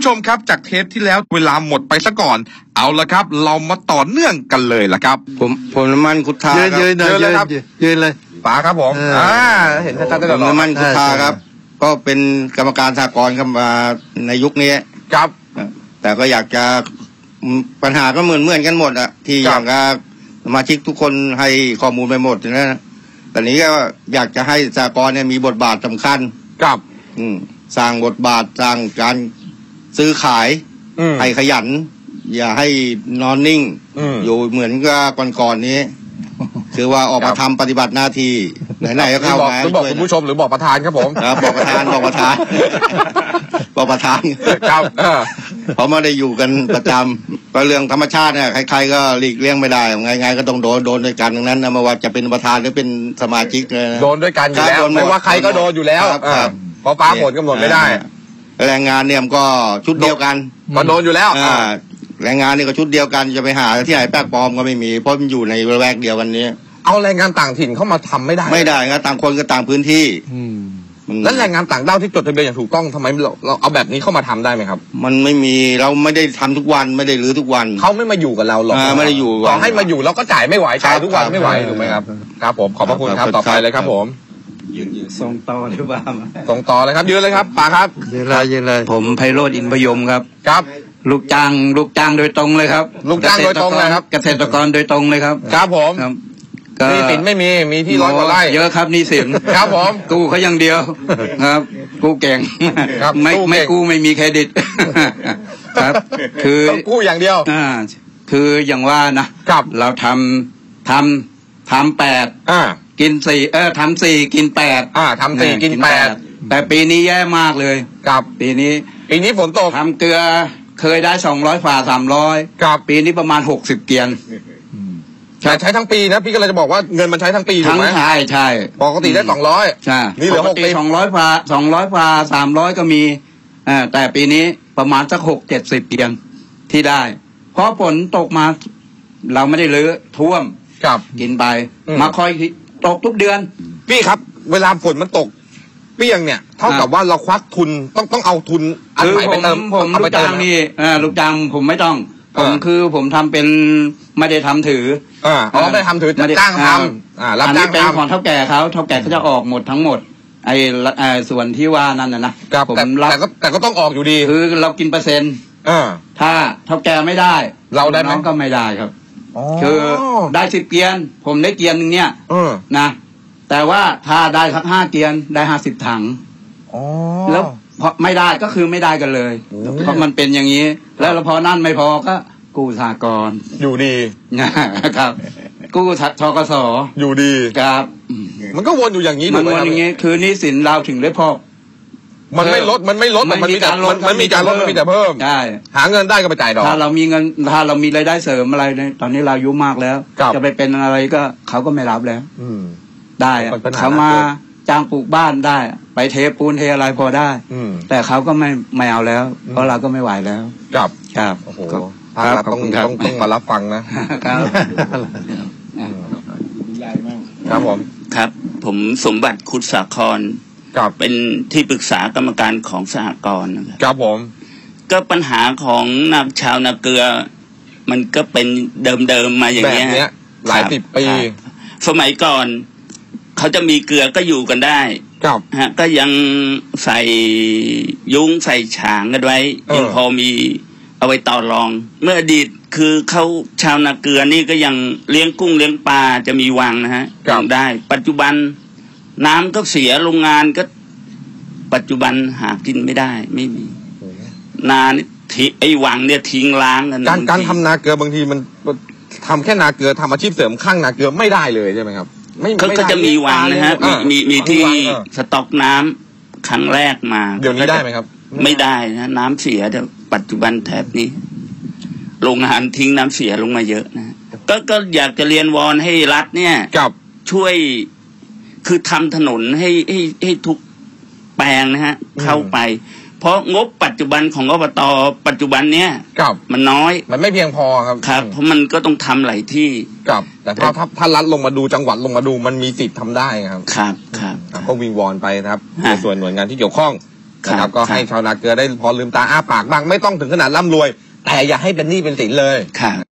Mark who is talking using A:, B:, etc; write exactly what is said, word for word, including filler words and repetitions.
A: ผู้ชมครับจากเทปที่แล้วเวลาหมดไปซะก่อนเอาละครับเรามาต่อเนื่องกันเลยละครับ
B: ผมผมน้ำมันคุทธาครับ
C: ยืนเลยครับยืนเลย
A: ป๋าครับผมอ่าเห็นชัดๆ
B: ผมน้ำมันคุทธาครับก็เป็นกรรมการสหกรณ์ครับมาในยุคนี้
A: ครับ
B: แต่ก็อยากจะปัญหาก็เหมือนเหมือนกันหมดอะที่อยากจะสมาชิกทุกคนให้ข้อมูลไปหมดนะแต่นี้ก็อยากจะให้สหกรณ์เนี่ยมีบทบาทสำคัญ
A: ครับ
B: อืมสร้างบทบาทสร้างการซื้อขายให้ขยันอย่าให้นอนนิ่งอยู่เหมือนกับก่อนๆนี้คือว่าออกมาทำปฏิบัติหน้าที่ไหนๆก็เข้ามา
A: บอกคุณผู้ชมหรือบอกประธานครับผม
B: ครับบอกประธานบอกประธานบอกประธาน
A: ครับ
B: เพราะไม่ได้อยู่กันประจำก็เรื่องธรรมชาติเนี่ยใครๆก็หลีกเลี่ยงไม่ได้ไงๆก็ต้องโดนโดนด้วยกันดังนั้นนะไม่ว่าจะเป็นประธานหรือเป็นสมาชิก
A: โดนด้วยกันอยู่แล้วไม่ว่าใครก็โดนอยู่แล้วเพราะฟ้าฝนกำหนดไม่ได้
B: แรงงานเนี่ยมันก็ชุดเดียวกัน
A: ก็โดนอยู่แล้ว
B: แรงงานนี่ก็ชุดเดียวกันจะไปหาที่ไหนแป๊กปลอมก็ไม่มีเพราะมันอยู่ในระแวกเดียวกันนี้
A: เอาแรงงานต่างถิ่นเข้ามาทำไม่ได้
B: ไม่ได้ครับต่างคนก็ต่างพื้นที่
A: แล้วแรงงานต่างด้าวที่จดทะเบียนอย่างถูกต้องทำไมเราเราเอาแบบนี้เข้ามาทำได้ไหมครับ
B: มันไม่มีเราไม่ได้ทำทุกวันไม่ได้รื้อทุกวัน
A: เขาไม่มาอยู่กับเราหรอก
B: ไม่ได้อยู่
A: ต่อให้มาอยู่เราก็จ่ายไม่ไหวจ่ายทุกวันไม่ไหวถูกไหมครับครับผมขอบพระคุณครับต่อไปเลยครับผม
B: ยืนยืนส่งต่อหรือเปล่า
A: ส่งต่อเลยครับยืนเลยครับป๋าครับ
C: ยืนเลยยืนเลย
B: ผมไพโรจน์อินทร์พยมครับ
A: ครับ
B: ลูกจ้างลูกจ้างโดยตรงเลยครับ
A: ลูกจ้างโดยตรงเลยครับ
B: เกษตรกรโดยตรงเลยครับ
A: ครับผมนี่สินไม่มีมีที่ร้อยกว่าไร่
B: เยอะครับนี่สิน
A: ครับผม
B: กู้เขาอย่างเดียวครับกู้เก่งไม่ไม่กู้ไม่มีเครดิตครับคือ
A: กู้อย่างเดียว
B: อ่าคืออย่างว่านะครับเราทำทำทำแปด
A: อ่า
B: กินสี่เออทำสี่กินแปด
A: อ่าทำสี่กินแปด
B: แต่ปีนี้แย่มากเลย
A: ครับ
B: ปีนี้
A: ปีนี้ฝนตก
B: ทำเกลือเคยได้สองร้อยฝ่าสามร้อย
A: ครับ
B: ปีนี้ประมาณหกสิบเกียน
A: ใช้ใช้ทั้งปีนะพี่ก็เลยจะบอกว่าเงินมันใช้ทั้งปีถูกไหม
B: ใช่ใช่
A: ปกติได้สองร้อย
B: ใช่
A: นี่เหลือหกสิบ
B: สองร้อยฝ่าสองร้อยฝ่าสามร้อยก็มีอ่าแต่ปีนี้ประมาณสักหกเจ็ดสิบเกียนที่ได้เพราะฝนตกมาเราไม่ได้ลื้อท่วม
A: ครับ
B: กินไปมาคอยตกทุกเดือน
A: พี่ครับเวลาฝนมันตกเปี้ยงเนี่ยเท่ากับว่าเราควักทุนต้องต้องเอาทุน
B: อันใหม่ไปเติมผมลูกจ้างนี่อ่าลูกจ้างผมไม่ต้องผมคือผมทำเป็นไม่ได้ทำถือ
A: อ่าอ๋อไม่ได้ทำถือจ้างทำอ่ารับจ้าง
B: เป็นของเท่าแก่เขาเท่าแก่เขาจะออกหมดทั้งหมดไอ้ส่วนที่ว่านั่นนะ
A: ผมรับแต่ก็แต่ก็ต้องออกอยู่ดี
B: คือเรากินเปอร์เซ็นต์
A: อ่า
B: ถ้าเท่าแก่ไม่ได้
A: เราได้น้
B: องก็ไม่ได้ครับคือได้สิบเกียนผมได้เกียนหนึ่งเนี่ยนะแต่ว่าถ้าได้สักห้าเกียนได้ห้าสิบถังแล้วพอไม่ได้ก็คือไม่ได้กันเลยเพราะมันเป็นอย่างนี้แล้วพอนั่นไม่พอก็กู้สหกรณ์
A: อยู่ดี
B: นะครับกู้ทกส
A: อยู่ดี
B: ครับ
A: มันก็วนอยู่อย่างนี้
B: มันวนอย่างนี้คือหนี้สินเราถึงได้พอ
A: มันไม่ลดมันไม่ลดมันมีการลดมันมีการลดมันมีแต่เพิ่ม
B: ใช่
A: หาเงินได้ก็ไปจ่ายดอก
B: ถ้าเรามีเงินถ้าเรามีรายได้เสริมอะไรเนี่ยตอนนี้เราอายุมากแล้วจะไปเป็นอะไรก็เขาก็ไม่รับแล้วได้เขามาจ้างปลูกบ้านได้ไปเทปูนเทอะไรพอได้แต่เขาก็ไม่ไม่เอาแล้วเพราะเราก็ไม่ไหวแล้ว
A: ครับ
B: ครับ
A: โอ้โหภาครัฐต้องต้องต้องมารับฟังนะครับครับผม
D: ครับผมสมบัติคุดสาครเป็นที่ปรึกษากรรมการของสหกรณ์นะครับ
A: ครับผม
D: ก็ปัญหาของนักชาวนาเกลือมันก็เป็นเดิมๆมาอย่างเงี้ย
A: หลายสิบปี
D: สมัยก่อนเขาจะมีเกลือก็อยู่กันได้
A: ครับ
D: ฮะก็ยังใส่ยุ้งใส่ฉางกันไว้ยังพอมีเอาไว้ต่อรองเมื่ออดีตคือเขาชาวนาเกลือนี่ก็ยังเลี้ยงกุ้งเลี้ยงปลาจะมีวังนะฮะยังได้ปัจจุบันน้ำก็เสียโรงงานก็ปัจจุบันหากินไม่ได้ไม่มีนานี่ทิ้งไอ้วังเนี่ยทิ้งล้างกัน
A: การการทำนาเกลือบางทีมันทำแค่นาเกลือทำอาชีพเสริมข้างนาเกลือไม่ได้เลยใช่ไหมครับ
D: ไม่ก็จะมีวังนะฮะมีมีมีที่สต็อกน้ำครั้งแรกมา
A: เดี๋ยวนี้ได้ไหมครับ
D: ไม่ได้นะน้ำเสียแต่ปัจจุบันแถบนี้โรงงานทิ้งน้ำเสียลงมาเยอะนะก็ก็อยากจะเรียนวอนให้รัฐเนี่ยช่วยคือทำถนนให้ให้ให้ทุกแปลงนะฮะเข้าไปเพราะงบปัจจุบันของอบต.ปัจจุบันเนี้ยมันน้อย
A: มันไม่เพียงพอครับ
D: ครับเพราะมันก็ต้องทำหลายที่
A: ครับแต่ถ้าถ้ารัฐลงมาดูจังหวัดลงมาดูมันมีสิทธิ์ทำได้ครับ
D: ครับครับ
A: ก็วิงวอนไปนะครับในส่วนหน่วยงานที่เกี่ยวข้องนะครับก็ให้ชาวนาเกลือได้พอลืมตาอ้าปากบ้างไม่ต้องถึงขนาดร่ำรวยแต่อย่าให้เป็นหนี้เป็นสินเลย